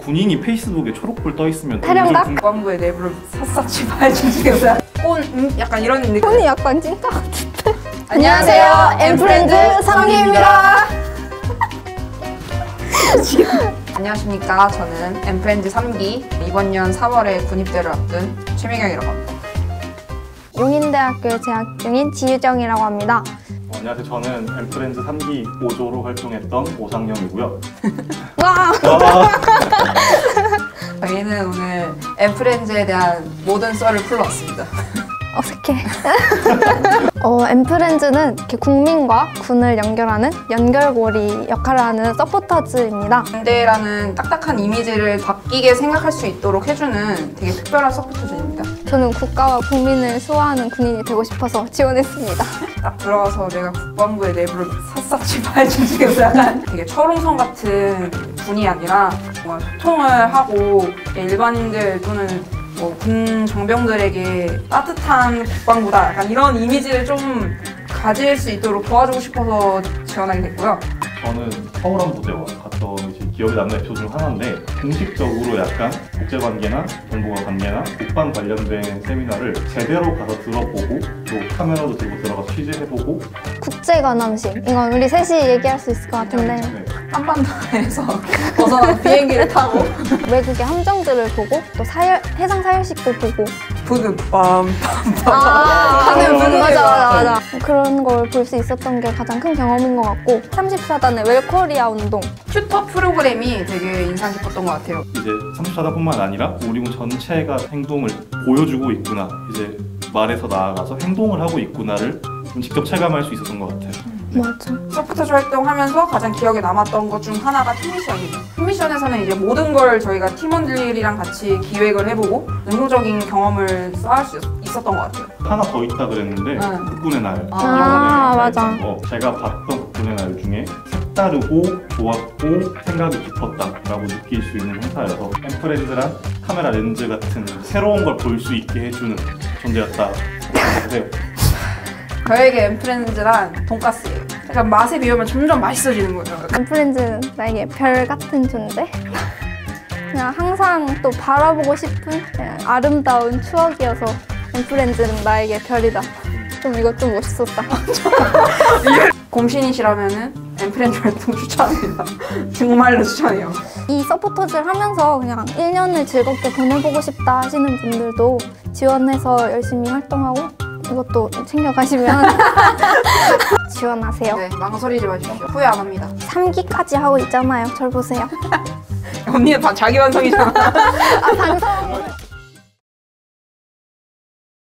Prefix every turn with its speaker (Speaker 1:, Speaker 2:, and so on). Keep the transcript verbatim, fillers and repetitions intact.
Speaker 1: 군인이 페이스북에 초록불 떠 있으면
Speaker 2: 타령각?
Speaker 3: 국방부의 내부를 샅샅이 파헤치시겠어요? 꼰, 음? 약간 이런 느낌.
Speaker 2: 손이 약간 찐따 같은데.
Speaker 3: 안녕하세요,
Speaker 2: 엠프렌즈 삼기입니다.
Speaker 3: 안녕하십니까. 저는 엠프렌즈 삼 기 이번 년 사월에 군입대를 앞둔 최미경이라고 합니다.
Speaker 2: 용인대학교에 재학 중인 지유정이라고 합니다.
Speaker 1: 어, 안녕하세요. 저는 엠프렌즈 삼 기 오 조로 활동했던 오상영이고요.
Speaker 2: 와!
Speaker 1: 와.
Speaker 3: 저희는 오늘 엠프렌즈에 대한 모든 썰을 풀러왔습니다.
Speaker 2: 어색해. 어, 엠프렌즈는 이렇게 국민과 군을 연결하는 연결고리 역할을 하는 서포터즈입니다.
Speaker 3: 군대라는 딱딱한 이미지를 바뀌게 생각할 수 있도록 해주는 되게 특별한 서포터즈입니다.
Speaker 2: 저는 국가와 국민을 수호하는 군인이 되고 싶어서 지원했습니다.
Speaker 3: 딱 들어가서 내가 국방부의 내부를 샅샅이 파헤치면서 약간 되게 철옹성 같은 군이 아니라 뭔가 소통을 하고 일반인들 또는 뭐 군 정병들에게 따뜻한 국방부다 약간 이런 이미지를 좀 가질 수 있도록 도와주고 싶어서 지원하게 됐고요.
Speaker 1: 저는 서울함부대와 갔던 이제 기억에 남는 에피소드 중 하나인데 공식적으로 약간 국제관계나 정보가 관계나 국방 관련된 세미나를 제대로 가서 들어보고 또 카메라도 들고 들어가서 취재해보고
Speaker 2: 국제관함식. 이건 우리 셋이 얘기할 수 있을 것 같은데
Speaker 1: 네.
Speaker 3: 한반도에서 벗어난 비행기를 타고
Speaker 2: 외국의 함정들을 보고 또 사열, 해상 사열식도 보고
Speaker 3: 부금 빰빰빰
Speaker 2: 아,
Speaker 3: 하는
Speaker 2: 맞아,
Speaker 3: 부분을
Speaker 2: 맞아, 맞아. 그런 걸 볼 수 있었던 게 가장 큰 경험인 것 같고 삼십사 단의 웰코리아 운동.
Speaker 3: 튜터 프로그램이 되게 인상 깊었던 것 같아요.
Speaker 1: 이제 삼십사 단뿐만 아니라 우리 군 전체가 행동을 보여주고 있구나, 이제 말에서 나아가서 행동을 하고 있구나를 좀 직접 체감할 수 있었던 것 같아요. 네.
Speaker 2: 맞아.
Speaker 3: 서포터즈 활동하면서 가장 기억에 남았던 것 중 하나가 팀미션이에요. 팀미션에서는 이제 모든 걸 저희가 팀원들이랑 같이 기획을 해보고 능동적인 경험을 쌓을 수 있었던 것 같아요.
Speaker 1: 하나 더 있다 그랬는데
Speaker 3: 응.
Speaker 1: 국군의 날.
Speaker 3: 아,
Speaker 1: 이번에
Speaker 2: 맞아.
Speaker 1: 어, 제가 봤던 국군의 날 중에 색다르고 좋았고 생각이 깊었다라고 느낄 수 있는 행사여서 엠프렌즈란 카메라 렌즈 같은 새로운 걸 볼 수 있게 해주는 존재였다 생각해요.
Speaker 3: 저에게 엠프렌즈란 돈가스예요. 약간 맛에 비우면 점점 맛있어지는 거예요.
Speaker 2: 엠프렌즈는 나에게 별 같은 존재? 그냥 항상 또 바라보고 싶은 그냥 아름다운 추억이어서 엠프렌즈는 나에게 별이다. 좀 이거 좀 멋있었다.
Speaker 3: 곰신이시라면은 엠프렌즈 활동 추천합니다. 정말로 추천해요.
Speaker 2: 이 서포터즈를 하면서 그냥 일 년을 즐겁게 보내보고 싶다 하시는 분들도 지원해서 열심히 활동하고 이것도 챙겨가시면 지원하세요.
Speaker 3: 네, 망설이지 마십시오. 후회 안 합니다.
Speaker 2: 삼 기까지 하고 있잖아요. 절 보세요.
Speaker 3: 언니는 다 자기 완성이잖아.
Speaker 2: 아, 반성.